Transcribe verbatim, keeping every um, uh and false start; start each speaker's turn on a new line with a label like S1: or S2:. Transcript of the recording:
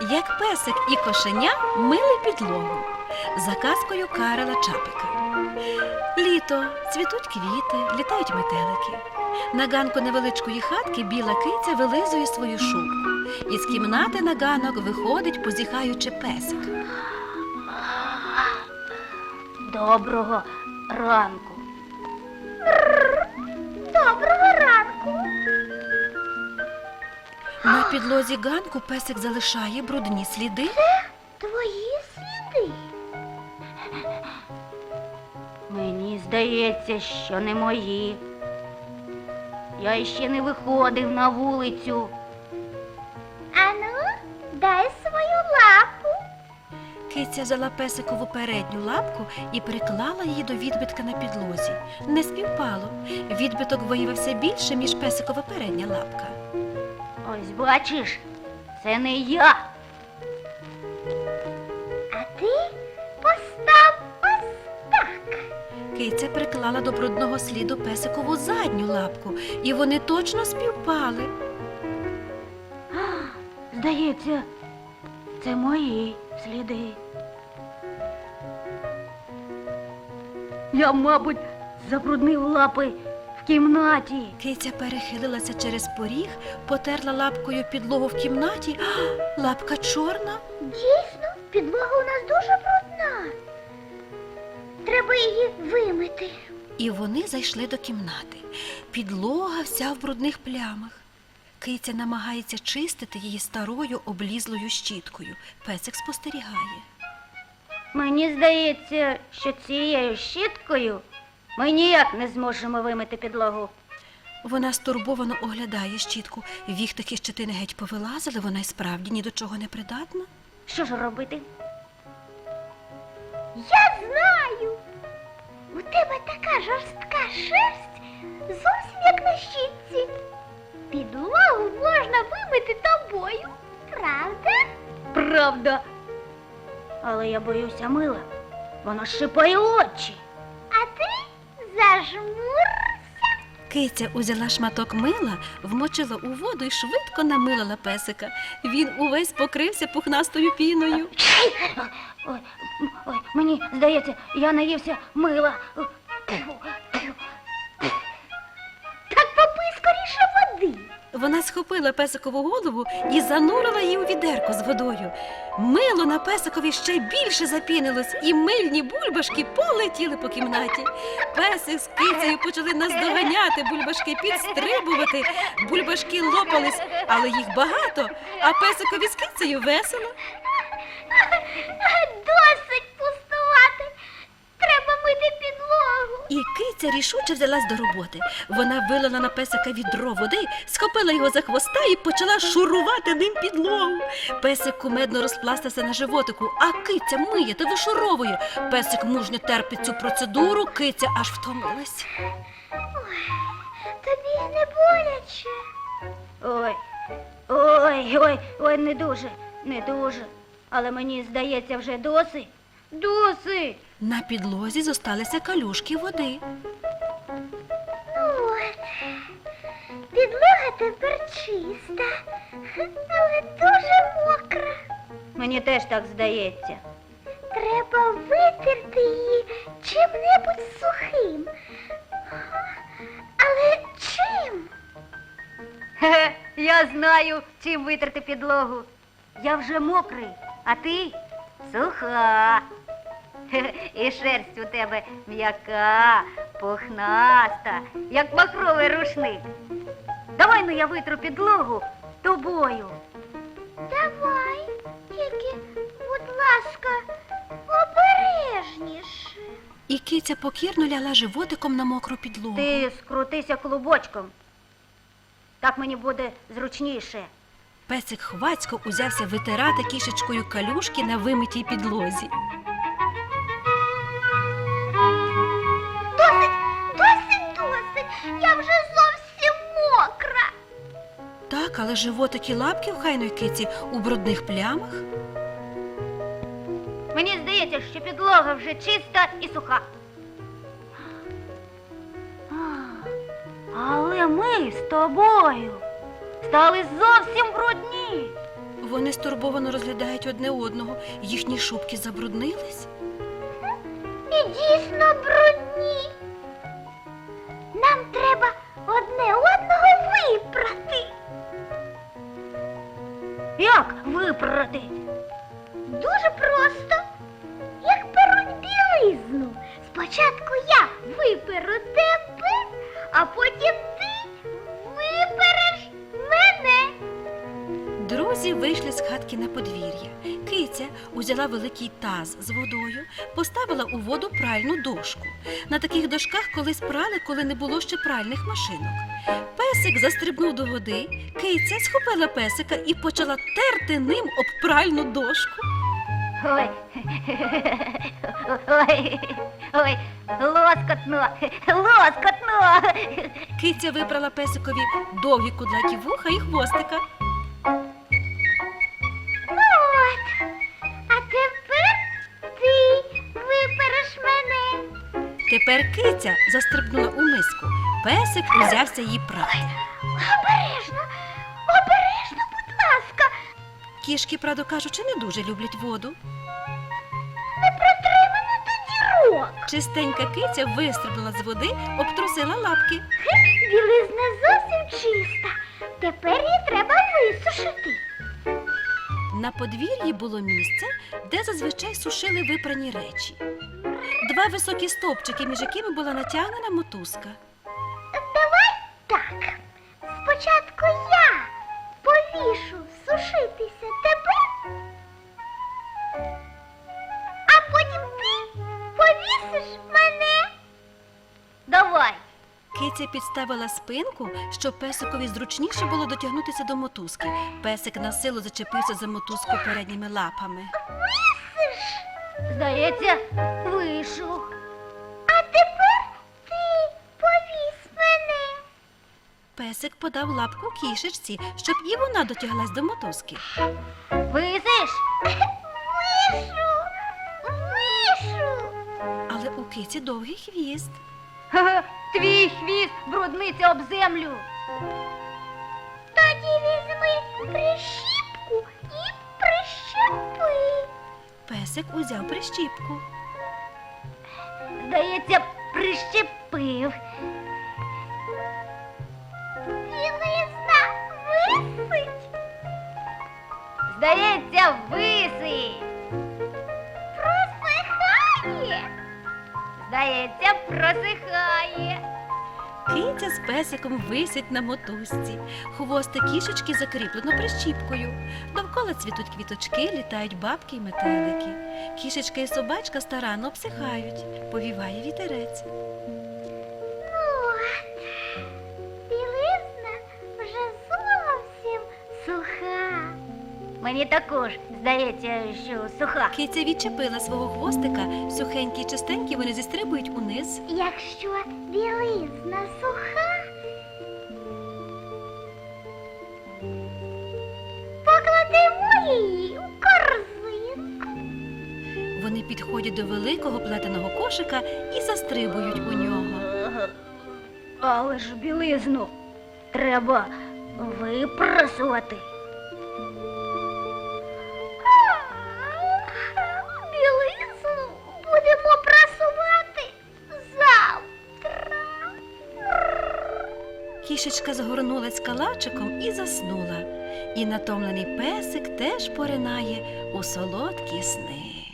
S1: Як песик і кошеня мили підлогу за казкою Карла Чапика. Літо, цвітуть квіти, літають метелики. На ганку невеличкої хатки біла киця вилизує свою шубку. Із кімнати на ганок виходить, позіхаючи, песик.
S2: Доброго ранку.
S3: Доброго ранку.
S1: На підлозі ганку песик залишає брудні сліди.
S3: Твої сліди.
S2: Мені здається, що не мої. Я ще не виходив на вулицю.
S3: Ану, дай свою лапу.
S1: Киця взяла песикову передню лапку і приклала її до відбитка на підлозі. Не співпало. Відбиток виявився більше, ніж песикова передня лапка.
S2: Ось бачиш, це не я.
S3: А ти постав ось так.
S1: Киця приклала до брудного сліду песикову задню лапку, і вони точно співпали.
S2: Здається, це мої сліди. Я, мабуть, забруднив лапи в кімнаті.
S1: Киця перехилилася через поріг, потерла лапкою підлогу в кімнаті. А, лапка чорна.
S3: Дійсно, підлога у нас дуже брудна. Треба її вимити.
S1: І вони зайшли до кімнати. Підлога вся в брудних плямах. Киця намагається чистити її старою облізлою щіткою. Песик спостерігає.
S2: Мені здається, що цією щіткою ми ніяк не зможемо вимити підлогу.
S1: Вона стурбовано оглядає щітку. Віхтики щетини геть повилазили, вона й справді ні до чого не придатна.
S2: Що ж робити?
S3: Я знаю. У тебе така жорстка шерсть, зовсім як на щітці. Підлогу можна вимити тобою, правда?
S2: Правда. Але я боюся мила. Воно шипає очі.
S3: А ти зажмурся.
S1: Киця узяла шматок мила, вмочила у воду і швидко намилила песика. Він увесь покрився пухнастою піною.
S2: Ой, ой, мені здається, я наївся мила.
S3: Так попий скоріше води.
S1: Вона схопила песикову голову і занурила її у відерко з водою. Мило на песикові ще більше запінилось, і мильні бульбашки полетіли по кімнаті. Песик з кицею почали наздоганяти, бульбашки підстрибувати. Бульбашки лопались, але їх багато, а песикові з кицею весело.
S3: Досить пустувати. Треба мити підлогу.
S1: І киця рішуче взялась до роботи. Вона вилила на песика відро води, схопила його за хвоста і почала шурувати ним підлогу. Песик кумедно розпластався на животику, а киця миє та вишуровує. Песик мужньо терпить цю процедуру, киця аж втомилась.
S3: Тобі не боляче.
S2: Ой, ой, ой, ой, не дуже, не дуже. Але мені здається, вже досить. Досить.
S1: На підлозі зосталися калюшки води.
S3: От. Підлога тепер чиста, але дуже мокра.
S2: Мені теж так здається.
S3: Треба витерти її чим-небудь сухим. Але чим?
S2: Хе-хе, я знаю, чим витерти підлогу. Я вже мокрий, а ти суха. Хе-хе, і шерсть у тебе м'яка, пухнаста, як махровий рушник. Давай, ну, я витру підлогу тобою.
S3: Давай, тільки, будь ласка, обережніше.
S1: І киця покірно ляла животиком на мокру підлогу.
S2: Ти скрутися клубочком. Так мені буде зручніше.
S1: Песик хвацько узявся витирати кішечкою калюшки на вимитій підлозі.
S3: Досить, досить, досить. Я вже зовсім мокра.
S1: Так, але животик і лапки в хайної киці у брудних плямах.
S2: Мені здається, що підлога вже чиста і суха. Але ми з тобою стали зовсім брудні.
S1: вони стурбовано розглядають одне одного. Їхні шубки забруднились.
S3: І дійсно брудні. Нам треба одне одного випрати.
S2: Як випрати?
S3: Дуже просто. Як перуть білизну. Спочатку я виперу тебе, а потім ти випереш мене.
S1: Друзі вийшли з хатки на подвір'я. Киця узяла великий таз з водою, поставила у воду пральну дошку. На таких дошках колись прали, коли не було ще пральних машинок. Песик застрибнув до води, киця схопила песика і почала терти ним об пральну дошку.
S2: Ой, ой, ой, лоскотно, лоскотно.
S1: Киця вибрала песикові довгі кудлаті вуха і хвостика.
S3: Ну от, а тепер ти випереш мене.
S1: Тепер киця застрибнула у миску. Песик узявся її прати.
S3: Обережно, обережно, будь ласка.
S1: Кішки, правду кажучи, не дуже люблять воду.
S3: Не протри мене до дірок.
S1: Чистенька киця вистрибнула з води, обтрусила лапки.
S3: Білизна зовсім чиста. Тепер її треба висушити.
S1: На подвір'ї було місце, де зазвичай сушили випрані речі. Два високі стовпчики, між якими була натягнена мотузка.
S3: Давай так. Спочатку я повішу сушитися тебе, а потім ти повісиш мене.
S2: Давай.
S1: Киця підставила спинку, щоб песикові зручніше було дотягнутися до мотузки. Песик на силу зачепився за мотузку передніми лапами.
S3: Висиш.
S2: Здається, вийшов.
S3: А тепер ти повісь мене.
S1: Песик подав лапку кішечці, щоб і вона дотяглась до мотузки.
S2: Висиш?
S3: Вишу. Вишу.
S1: Але у киці довгий хвіст.
S2: Ха-ха, твій хвіст брудниться об землю.
S3: Тоді візьми прищіпку і прищепи.
S1: Песик узяв прищіпку.
S2: Здається, прищепив.
S3: Білизна висить.
S2: Здається, висить.
S3: Просихає.
S2: Здається, просихає.
S1: Киця з песиком висять на мотузці. Хвостик кішечки закріплено прищіпкою. Довкола цвітуть квіточки, літають бабки й метелики. Кішечка і собачка старанно обсихають. Повіває вітерець.
S3: Ну от, білизна вже зовсім суха.
S2: Мені також здається, що суха.
S1: Киця відчепила свого хвостика, сухенькі й чистенькі вони зістрибують униз.
S3: Якщо білизна суха, покладемо її у корзинку.
S1: Вони підходять до великого плетеного кошика і застрибують у нього.
S2: Але ж білизну треба випрасувати.
S3: Білизну будемо прасувати завтра.
S1: Кішечка згорнулась калачиком і заснула. І натомлений песик теж поринає у солодкі сни.